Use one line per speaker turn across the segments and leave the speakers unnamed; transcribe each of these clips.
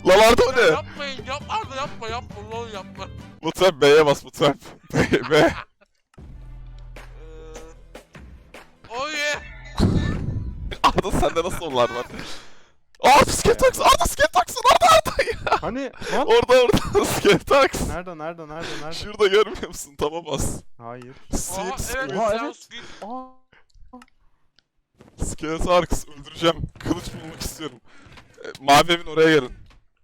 Lan Arda o ne?
Yapmayın, Arda yapma, lol yapma.
Mutrap B'ye bas Mutrap. B.
Oh yeah.
Arda sende nasıl onlar var? Aa Skelltax! Arda Skelltax'ın Arda ya!
Hani lan?
Orada Skelltax!
Nerede?
Şurada görmüyor musun? Taba bas.
Hayır.
Aha evet,
Oha,
Zeus
evet.
King.
Aa.
Skelltax öldüreceğim. Kılıç bulmak istiyorum. Mavi evin oraya gelin.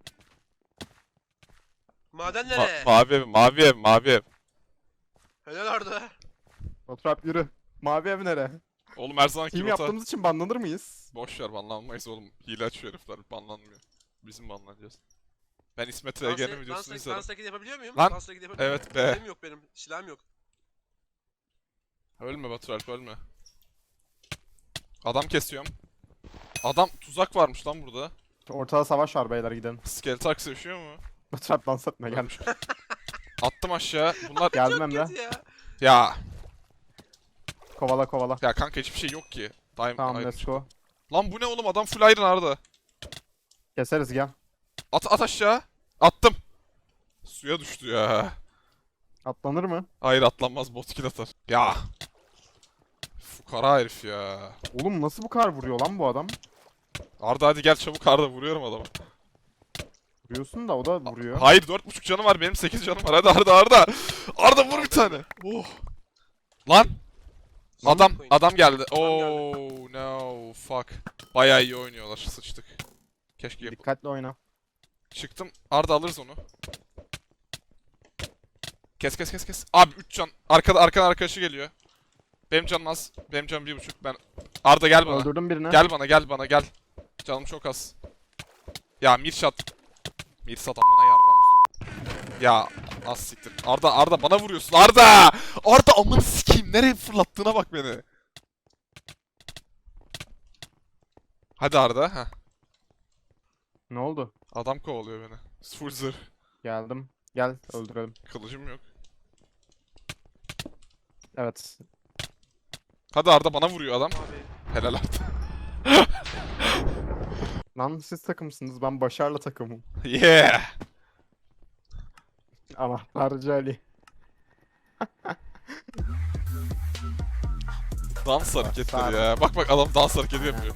Maden nereye?
Mavi ev.
Helal Arda.
Fotoğraf yürü. Mavi ev nere?
Oğlum her zamanki
Team
rota.
yaptığımız için banlanır mıyız?
Boş ver banlanmayız oğlum. Hile açıyor herifler banlanmıyor. Bizim banlanacağız. Ben İsmet Ege'nin videosunu izledim.
Dans taklidi yapabiliyor muyum?
Lan,
Dans taklidi yapabiliyor
evet
muyum?
be.
Silahım yok benim. Silahım yok.
Ölme Baturalp ölme. Adam kesiyorum. Adam tuzak varmış lan burada.
Ortada savaş var beyler gidelim.
Skelltax yaşıyor mu?
Fotoğraf dans etme gel.
Attım aşağı. Bunlar
Geldim
Çok
Emre.
kötü ya.
ya
Kovala.
ya kanka hiçbir şey yok ki.
Tamam let's go.
Lan bu ne oğlum adam full iron Arda.
Keseriz gel.
At aşağı. Attım. Suya düştü ya.
Atlanır mı?
Hayır atlanmaz bot kill atar. Ya. Fukara herif ya.
Oğlum nasıl bu kadar vuruyor lan bu adam?
Arda hadi gel çabuk Arda vuruyorum adamı.
Vuruyorsun da o da vuruyor.
Hayır 4,5 canım var benim 8 canım var hadi Arda. Arda vur bir tane. Oh. Lan. Adam geldi. Oh no fuck. Bayağı iyi oynuyorlar sıçtık. Keşke yapalım.
Dikkatli oyna.
Çıktım. Arda alırız onu. Kes. Abi 3 can. Arkadan arkadaşı geliyor. Benim canım az. Benim canım 1,5. Ben Arda gel bana.
Öldürdüm birini.
Gel bana gel. Canım çok az. Ya Mirsat amına yarram sok. Ya az siktir. Arda bana vuruyorsun. Arda amını sikeyim. Nereye fırlattığına bak beni. Hadi Arda. Heh.
Ne oldu?
Adam kovalıyor beni. Full zırh.
Geldim. Gel öldürelim.
Kılıcım yok.
Evet.
Hadi Arda bana vuruyor adam.
Abi.
Helal Arda.
Lan siz takımsınız ben Başar'la takımım.
Yeah.
Anahtarcı Ali.
Dans hareketleri
Sarı.
ya. Bak adam dans hareketi yapıyor.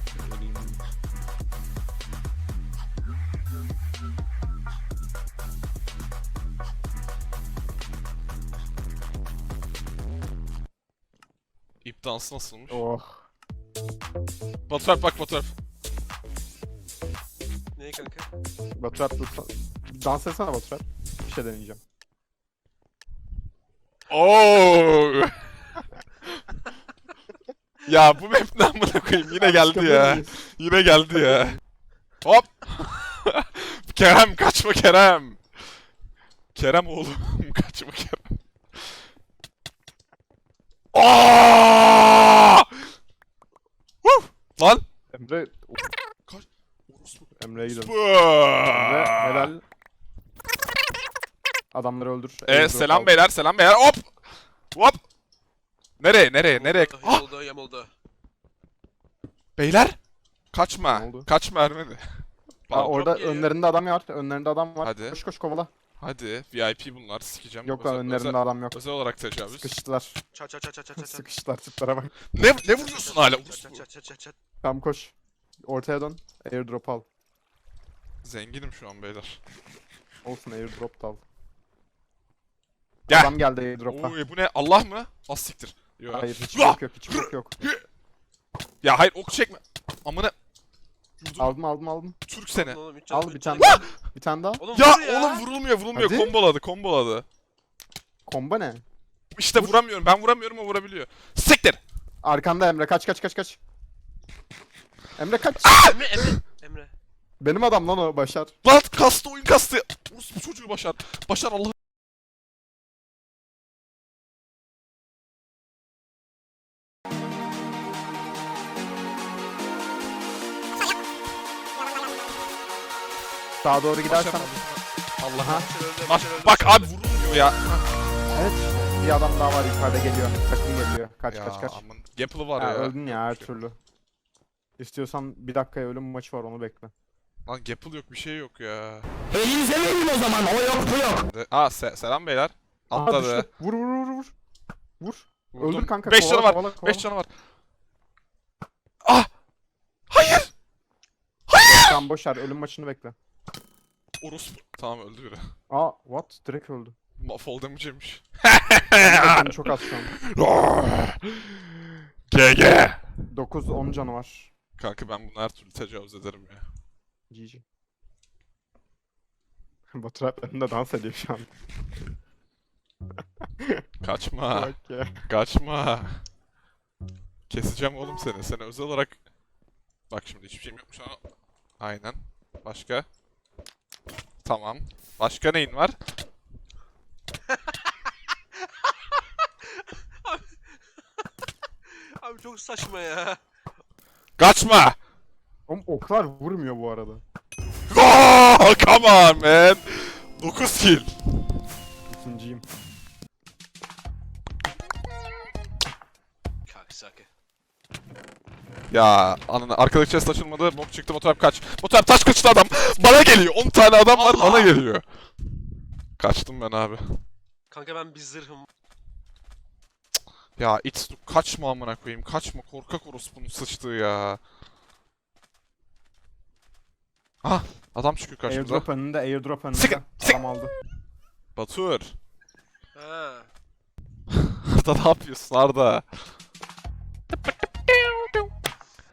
İp dansı nasılmış?
Oh.
Baturalp bak Baturalp.
Neyi kanka?
Baturat lütfen. Dans etsene Baturat. Bir şey deneyeceğim.
Oo. Ya bu map ne amına koyayım yine geldi
Çıkabilir
ya.
miyiz?
Yine geldi ya. Hop. Kerem kaçma Kerem. Kerem oğlum kaçma Kerem. Aa! Lan.
Emre.
Orospu.
Emre'ye gidelim.
Orospu.
Emre helal. Adamları öldür.
Selam beyler hop. Hop. Nereye? Ah!
Yamuldu.
Beyler. Kaçma.
Ne oldu?
Kaçma Ermeni.
Aa, orada
Çok geliyor.
önlerinde adam var. Önlerinde adam var.
Hadi.
Koş kovala.
Hadi VIP bunlar sikeceğim.
Yok lan önlerinde adam yok.
Özel olarak tecavüz.
Sıkıştılar.
Çat.
Sıkıştılar tiplere bak.
Ne vuruyorsun hala?
Çat.
Tamam koş. Ortaya dön. Airdrop al.
Zenginim şu an beyler.
Olsun airdrop da al.
Gel.
Adam geldi airdrop'a.
Oy bu ne? Allah mı? Az siktir. Yo.
Hayır hiç
Ah!
yok hiç yok.
Ya hayır ok çekme. Amına. Vurdum.
Aldım.
Türk seni.
Oğlum, üç
Al
canım,
bir
üç
tane
canım.
daha. Bir tane daha.
Oğlum
Ya
vur
oğlum vurulmuyor.
Hadi.
Komboladı.
Komba ne?
İşte vuramıyorum. Ben vuramıyorum o vurabiliyor. Siktir.
Arkanda Emre kaç. Emre kaç.
Emre.
Benim adam lan o Başar.
Lan kastı oyun kastı. Bu çocuğu Başar. Başar Allah.
Sağa doğru gidersen.
Allah'a.
Başar öldü.
Bak abi vurulmuyor ya.
Evet. Bir adam daha var yukarıda geliyor. Takım geliyor. Kaç.
Aman. Gapple'ı var
Ya,
ya.
öldün ya her türlü. İstiyorsan bir dakikaya ölüm maçı var onu bekle.
Lan Gapple yok bir şey yok ya.
Elinize verin o zaman. O yok bu yok.
Selam beyler.
Aa,
Atladı.
düştü. Vur vur vur vur. Vur.
Vurdum.
Öldür kanka.
5 canı var.
kovala,
5 canı var. Ah! Hayır!
Tamam boşver. Ölüm maçını bekle.
Orospu. Tamam öldü biri.
Aa what? Direkt öldü.
Fall damage yemiş.
Canı çok az şu an.
GG.
9-10 canı var.
Kanka ben bunu her türlü tecavüz ederim ya.
GG. Batu Alp önünde dans ediyor şu an.
Kaçma.
Bak ya.
Kaçma. Keseceğim oğlum seni. Seni özel olarak... Bak şimdi hiçbir şeyim yokmuş ama... Aynen. Başka? Tamam. Başka neyin var?
Abi çok saçma ya.
Kaçma!
Oğlum oklar vurmuyor bu arada.
Oh, come on man! 9 kill.
İkinciyim.
Kaksaki.
Ya ananı arkadaki chest açılmadı. Bok çıktı. Motorhap kaç. Motorhap taş kaçtı adam. Bana geliyor. 10 tane adam var.
Allah!
Bana geliyor. Kaçtım ben abi.
Kanka ben bir zırhım.
Ya Itsu kaçma amına koyayım. Kaçma. Korkak orospunun sıçtığı ya. Ah adam çıkıyor karşımıza.
Airdrop önünde, airdrop önünde.
Sıkın, sıkın.
Adam aldı.
Batur.
Ha.
Arda ne yapıyorsun Arda?